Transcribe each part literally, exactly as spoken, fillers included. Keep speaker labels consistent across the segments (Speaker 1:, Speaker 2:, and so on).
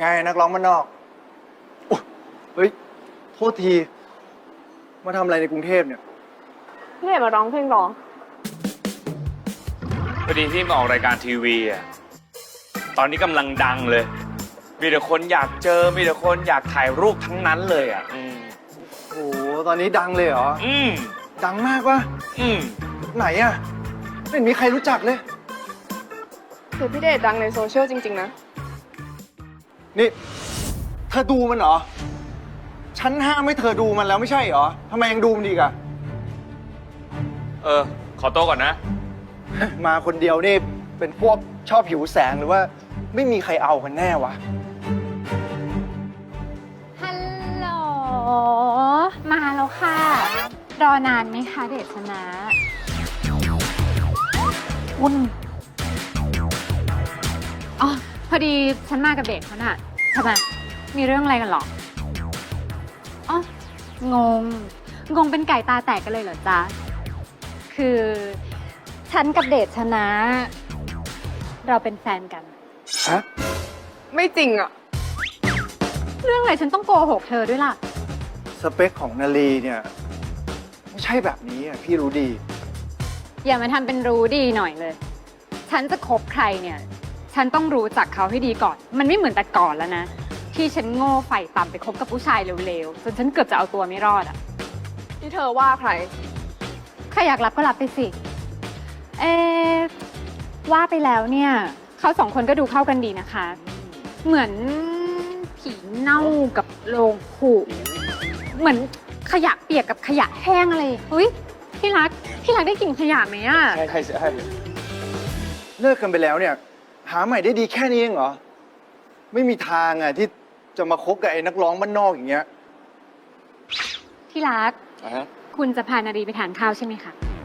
Speaker 1: ไงนักร้องบ้านนอกอุ๊ยเฮ้ย โทษที มาทำอะไรในกรุงเทพเนี่ย
Speaker 2: พี่เห็นมาร้องเพลงร้อง
Speaker 3: พอดีพี่มาออกรายการทีวีอ่ะ ตอนนี้กำลังดังเลย มีแต่คนอยากเจอ มีแต่คนอยากถ่ายรูปทั้งนั้นเลยอ่ะ อืม
Speaker 1: โอ้โห ตอนนี้ดังเลยเหรอ
Speaker 3: อืม
Speaker 1: ดังมากวะ
Speaker 3: อืม
Speaker 1: ไหนอะไม่เห็นมีใครรู้จักเลย
Speaker 2: คือพี่เดชดังในโซเชียลจริงๆนะ
Speaker 1: นี่ เธอดูมันเหรอ ฉันห้ามให้เธอดูมันแล้วไม่ใช่เหรอทำไมยังดูมันอีกอะ
Speaker 3: เออ ขอโต๊ะก่อนนะ
Speaker 1: มาคนเดียวนี่เป็นพวกชอบหิวแสงหรือว่าไม่มีใครเอากันแน่วะ
Speaker 4: ฮัลโหล มาแล้วค่ะ รอนานไหมคะเดชนะคุณอ๋อ พอดีฉันมากับเดชเขาน่ะทำไมมีเรื่องอะไรกันหรอ อ๋อ งง งงเป็นไก่ตาแตกกันเลยเหรอจ๊ะ คือฉันกับเดชนะ เราเป็นแฟนกัน
Speaker 1: ฮะ
Speaker 2: ไม่จริงอ่ะ
Speaker 4: เรื่องอะไรฉันต้องโกหกเธอด้วยล่ะ
Speaker 1: สเปคของนาลีเนี่ย ไม่ใช่แบบนี้อะพี่รู้ดี
Speaker 4: อย่ามาทำเป็นรู้ดีหน่อยเลย ฉันจะคบใครเนี่ย ฉันต้องรู้จักเขาให้ดีก่อน มันไม่เหมือนแต่ก่อนแล้วนะ ที่ฉันโง่ไฝ่ต่ำไปคบกับผู้ชายเร็วๆ จนฉันเกือบจะเอาตัวไม่รอดอะ
Speaker 2: ที่เธอว่าใคร
Speaker 4: ใครอยากรับก็รับไปสิ เอ๊ะว่าไปแล้วเนี่ย เขาสองคนก็ดูเข้ากันดีนะคะ เหมือนผีเน่ากับโลงผุเหมือนขยะเปียกกับขยะแห้งอะไรเฮ้ยพี่รัก พี่รักได้กลิ่นขยะไหมอะ
Speaker 1: ใช่ใช่ใช่เลิกกันไปแล้วเนี่ย หาใหม่ได้ดีแค่นี้เองเหรอ ไม่มีทางอ่ะที่จะมาคบกับไอ้นักร้องบ้านนอกอย่างเงี้ย
Speaker 4: พี่รัก คุณจะพานารีไปทานข้าวใช่ไหมคะ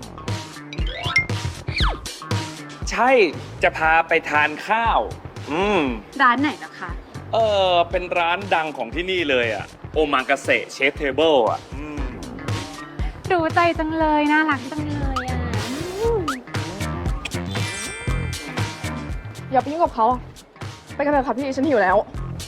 Speaker 3: ใช่ จะพาไปทานข้าว อืม
Speaker 4: ร้านไหนนะคะ
Speaker 3: เออ เป็นร้านดังของที่นี่เลยอ่ะ โอมากาเสะเชฟเทเบิลอ่ะ อืม
Speaker 4: รู้ใจจังเลย น่ารักจังเลยอ่ะอืม
Speaker 2: อย่าไปยุ่งกับเขา ไปกันเถอะค่ะพี่ฉันหิวแล้ว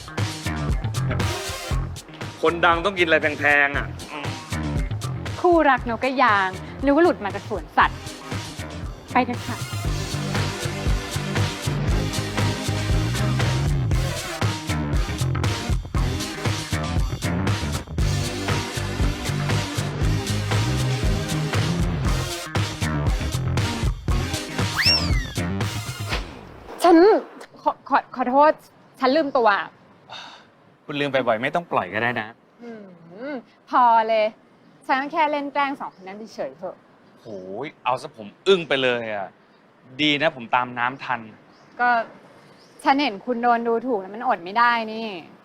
Speaker 3: คนดังต้องกินอะไรแพงๆอ่ะ
Speaker 4: คู่รักนกกระยางหรือว่าหลุดมาจากสวนสัตว์ ไปเถอะค่ะ ฉัน ขอขอขอโทษ ฉันลืมตัว
Speaker 3: คุณลืมไปบ่อยไม่ต้องปล่อยก็ได้นะ
Speaker 4: อืมพอเลย ฉันก็แค่เล่นแกล้งสองคนนั้นเฉยๆเถอะ
Speaker 3: โอ้ยเอาซะผมอึ้งไปเลยอ่ะ ดีนะผมตามน้ำทัน
Speaker 4: ก็ฉันเห็นคุณโดนดูถูกแล้วมันอดไม่ได้นี่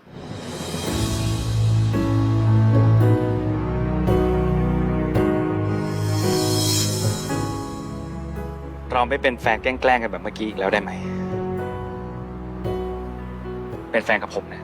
Speaker 3: เราไม่เป็นแฟนแกล้งๆกันแบบเมื่อกี้อีกแล้วได้ไหม เป็นแฟนกับผมนะ